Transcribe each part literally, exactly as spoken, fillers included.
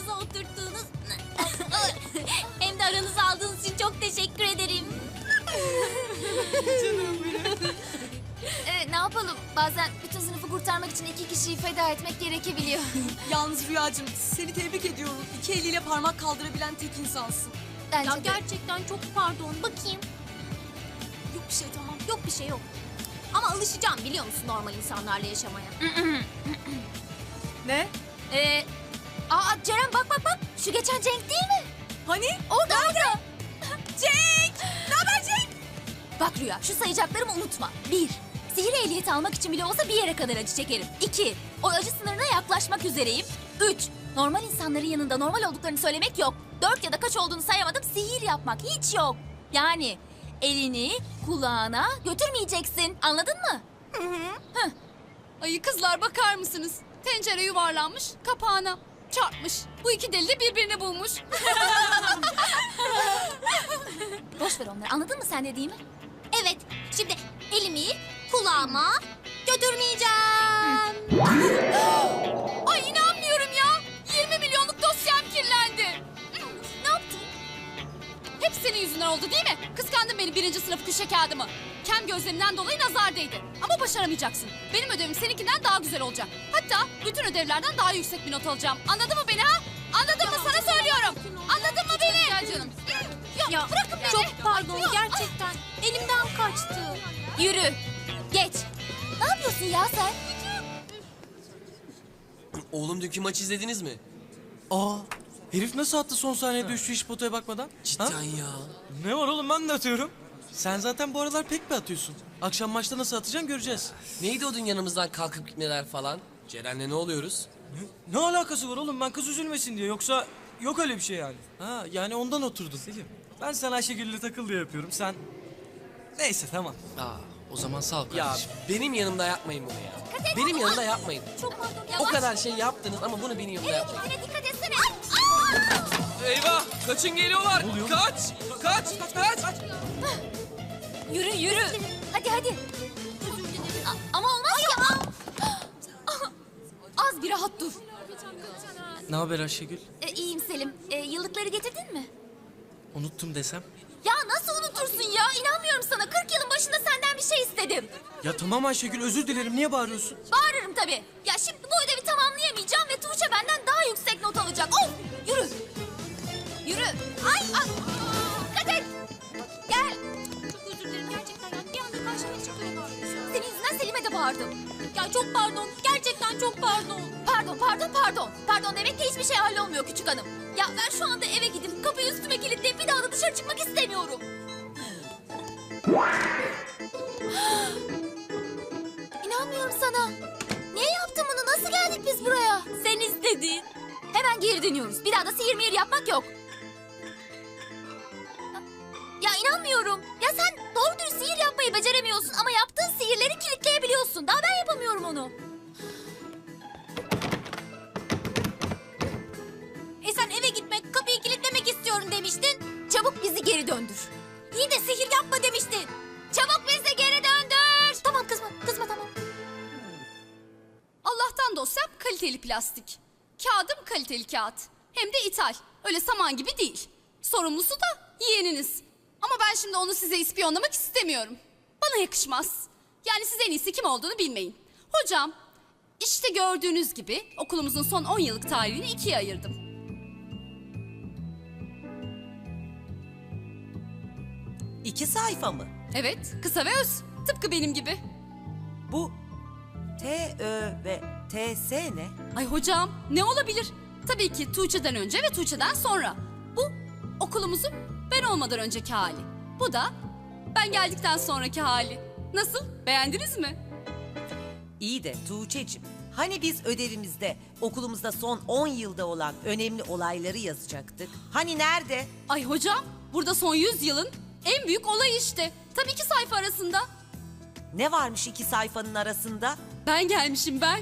aranıza oturttuğunuz... hem de aranıza aldığınız için çok teşekkür ederim. Canım benim. Ee, ne yapalım? Bazen bütün sınıfı kurtarmak için iki kişiyi feda etmek gerekebiliyor. Yalnız Rüyacığım seni tebrik ediyorum. İki eliyle parmak kaldırabilen tek insansın. Bence Ya de. gerçekten çok pardon. Bakayım. Yok bir şey tamam. Yok bir şey yok. Ama alışacağım biliyor musun normal insanlarla yaşamaya. Ne? Ee, aa Ceren bak bak bak. Şu geçen Cenk değil mi? Hani? Orada orada. Cenk! Ne haber Cenk? Bak Rüya şu sayacaklarımı unutma. Bir, sihir ehliyeti almak için bile olsa bir yere kadar acı çekerim. İki, o acı sınırına yaklaşmak üzereyim. Üç, normal insanların yanında normal olduklarını söylemek yok. Dört ya da kaç olduğunu sayamadım, sihir yapmak hiç yok. Yani elini kulağına götürmeyeceksin, anladın mı? Ay kızlar bakar mısınız? Tencere yuvarlanmış, kapağına çarpmış. Bu iki deli de birbirini bulmuş. Boş ver onları, anladın mı sen dediğimi? Evet, şimdi elimi kulağıma götürmeyeceğim. Ay inanmıyorum ya. yirmi milyonluk dosyam kirlendi. Ne yaptın? Hep senin yüzünden oldu değil mi? Kıskandın beni birinci sınıf köşe kağıdımı. Kem gözlerinden dolayı nazar değdi. Ama başaramayacaksın. Benim ödevim seninkinden daha güzel olacak. Hatta bütün ödevlerden daha yüksek bir not alacağım. Anladın mı beni ha? Anladın mı? Sana söylüyorum. Anladın mı beni? Gel canım. Ya, Ya bırakın beni. çok pardon gerçekten. Elimden kaçtı. Yürü, geç. Ne yapıyorsun ya sen? Oğlum dünkü maçı izlediniz mi? Aa, herif nasıl attı son saniyede üçlü hiç potaya bakmadan? Cidden Ha? ya. Ne var oğlum, ben de atıyorum. Sen zaten bu aralar pek bir atıyorsun. Akşam maçta nasıl atacaksın göreceğiz. Neydi o dün yanımızdan kalkıp gitmeler falan? Ceren'le ne oluyoruz? Ne, ne alakası var oğlum, ben kız üzülmesin diye, yoksa yok öyle bir şey yani. Ha, yani ondan oturdun. Selim, ben sana Ayşegül'le takıl diye yapıyorum, sen... Neyse tamam. Aa, o zaman sağ ol Ya, kardeşim. benim yanımda yapmayın bunu ya. Benim yanımda yapmayın. Çok pardon. O Yavaş. kadar şey yaptınız ama bunu benim yanımda yapmayın. Eline dikkat etsene. Eyvah! Kaçın geliyorlar! Kaç! Kaç! Kaç! Kaç! Yürü, yürü. Hadi, hadi. A- ama olmaz ya. Az bir rahat dur. Ne haber Ayşegül? E, iyiyim Selim. E, yıllıkları getirdin mi? Unuttum desem. Ya nasıl unutursun ya? İnanmıyorum sana. kırk yılın başında senden bir şey istedim. Ya tamam Ayşegül, özür dilerim, niye bağırıyorsun? Bağırırım tabii. Ya şimdi bu ödevi tamamlayamayacağım ve Tuğçe benden daha yüksek not alacak. Of! Yürü. Yürü. Ay! Ay. Dikkat et. Gel. Çok özür dilerim gerçekten. Yani bir anda karşıma çıkıyor. Senin yüzünden Selim'e de bağırdım. Ya çok pardon. Gerçekten çok pardon. Pardon, pardon, pardon. Pardon demek ki hiçbir şey hallolmuyor küçük hanım. Ya ben şu anda eve gidip kapıyı üstüme kilitleyip bir daha da dışarı çıkmak istemiyorum. İnanmıyorum sana. Niye yaptın bunu? Nasıl geldik biz buraya? Sen istedin. Hemen geri dönüyoruz. Bir daha da sihir mihir yapmak yok. Ya inanmıyorum. Ya sen doğru dürüst sihir yapmayı beceremiyorsun ama yaptığın sihirleri kilitleyebiliyorsun. Daha ben yapamıyorum onu. E sen eve gitmek, kapıyı kilitlemek istiyorum demiştin. Çabuk bizi geri döndür. İyi de sihir yapma demiştin. Çabuk bizi geri döndür. Tamam kızma, kızma tamam. Allah'tan dosyam kaliteli plastik. Kağıdım kaliteli kağıt. Hem de ithal. Öyle saman gibi değil. Sorumlusu da yeğeniniz. Ama ben şimdi onu size ispiyonlamak istemiyorum. Bana yakışmaz. Yani siz en iyisi kim olduğunu bilmeyin. Hocam, işte gördüğünüz gibi okulumuzun son on yıllık tarihini ikiye ayırdım. İki sayfa mı? Evet, kısa ve öz. Tıpkı benim gibi. Bu T, Ö ve T, S ne? Ay hocam, ne olabilir? Tabii ki Tuğçe'den önce ve Tuğçe'den sonra. Bu okulumuzun ben olmadan önceki hali. Bu da ben geldikten sonraki hali. Nasıl? Beğendiniz mi? İyi de Tuğçe'cim, hani biz ödevimizde okulumuzda son on yılda olan önemli olayları yazacaktık? Hani nerede? Ay hocam, burada son yüz yılın en büyük olayı işte. Tabii iki sayfa arasında. Ne varmış iki sayfanın arasında? Ben gelmişim ben.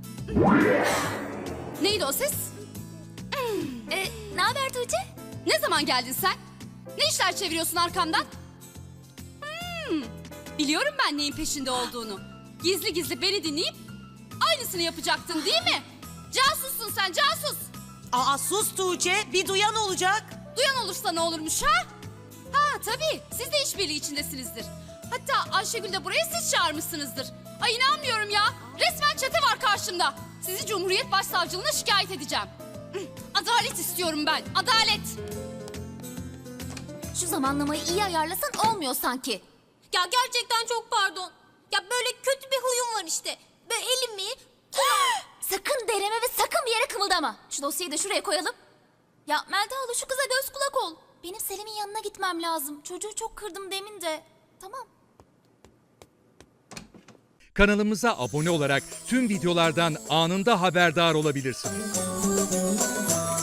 Neydi o ses? E, ne haber Tuğçe? Ne zaman geldin sen? Ne işler çeviriyorsun arkamdan? Hmm, biliyorum ben neyin peşinde olduğunu. Gizli gizli beni dinleyip aynısını yapacaktın değil mi? Casussun sen, casus. Aa sus Tuğçe, bir duyan olacak. Duyan olursa ne olurmuş ha? Ha tabii, siz de işbirliği içindesinizdir. Hatta Ayşegül de buraya siz çağırmışsınızdır. Ay inanmıyorum ya. Resmen çete var karşımda. Sizi Cumhuriyet Başsavcılığına şikayet edeceğim. Adalet istiyorum ben, adalet. Şu zamanlamayı iyi ayarlasan olmuyor sanki. Ya gerçekten çok pardon. Ya böyle kötü bir huyum var işte. Böyle elimi... Sakın dereme ve sakın bir yere kımıldama. Şu dosyayı da şuraya koyalım. Ya Melda hala şu kıza göz kulak ol. Benim Selim'in yanına gitmem lazım. Çocuğu çok kırdım demin de. Tamam. Kanalımıza abone olarak tüm videolardan anında haberdar olabilirsiniz.